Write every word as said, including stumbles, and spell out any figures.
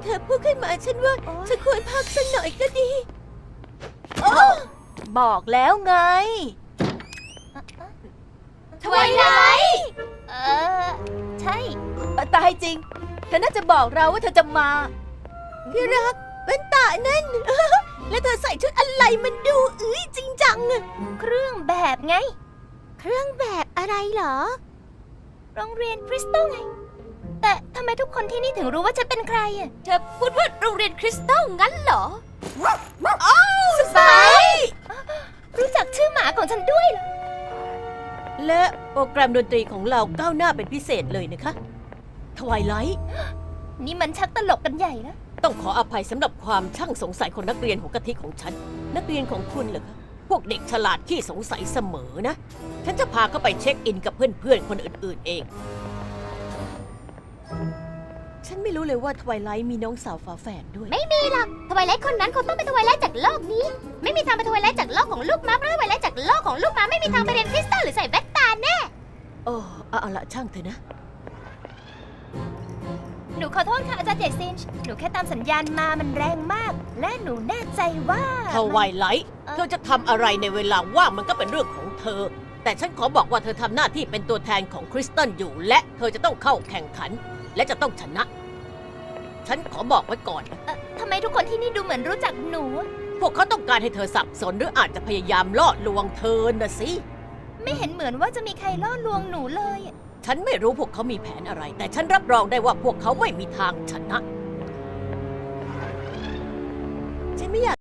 เธอพูดขึ้นมาฉันว่าฉันควรพักสักหน่อยก็ดีบอกแล้วไงทวายไลท์เออใช่ตายจริงเธอน่าจะบอกเราว่าเธอจะมาพี่รักแว่นตานั่น แล้วเธอใส่ชุดอะไรมันดูอื้อจริงจังอะเครื่องแบบไงเครื่องแบบอะไรเหรอโรงเรียนคริสตัลไงแต่ทำไมทุกคนที่นี่ถึงรู้ว่าฉันเป็นใครอ่ะเธอพูดว่าโรงเรียนคริสตัลงั้นเหรออ้าวสไปรู้จักชื่อหมาของฉันด้วยเหรอและโปรแกรมดนตรีของเราก้าวหน้าเป็นพิเศษเลยนะคะทวายไลท์นี่มันชักตลกกันใหญ่นะต้องขออภัยสำหรับความช่างสงสัยของนักเรียนหัวกะทิของฉันนักเรียนของคุณเหรอคะพวกเด็กฉลาดขี้สงสัยเสมอนะฉันจะพาเขาไปเช็คอินกับเพื่อนๆคนอื่นๆเองฉันไม่รู้เลยว่าทวายไลท์มีน้องสาวฝาแฝดด้วยไม่มีหรอกทวายไลท์คนนั้นคงต้องเป็นทวายไลท์จากโลกนี้ไม่มีทางเป็นทวายไลท์จากโลกของลูกม้าเพราะทวายไลท์จากโลกของลูกม้าไม่มีทางไปเรียนคริสตัลหรือใส่แว่นตาแน่โอ้เอาละช่างเถอะนะหนูขอโทษค่ะอาจารย์เจซินหนูแค่ตามสัญญาณมามันแรงมากและหนูแน่ใจว่าทวายไลท์เธอจะทำอะไรในเวลาว่างมันก็เป็นเรื่องของเธอแต่ฉันขอบอกว่าเธอทำหน้าที่เป็นตัวแทนของคริสตัลอยู่และเธอจะต้องเข้าแข่งขันและจะต้องชนะฉันขอบอกไว้ก่อนนะทำไมทุกคนที่นี่ดูเหมือนรู้จักหนูพวกเขาต้องการให้เธอสับสนหรืออาจจะพยายามล่อลวงเธอนะสิไม่เห็นเหมือนว่าจะมีใครล่อลวงหนูเลยฉันไม่รู้พวกเขามีแผนอะไรแต่ฉันรับรองได้ว่าพวกเขาไม่มีทางชนะฉันไม่อยาก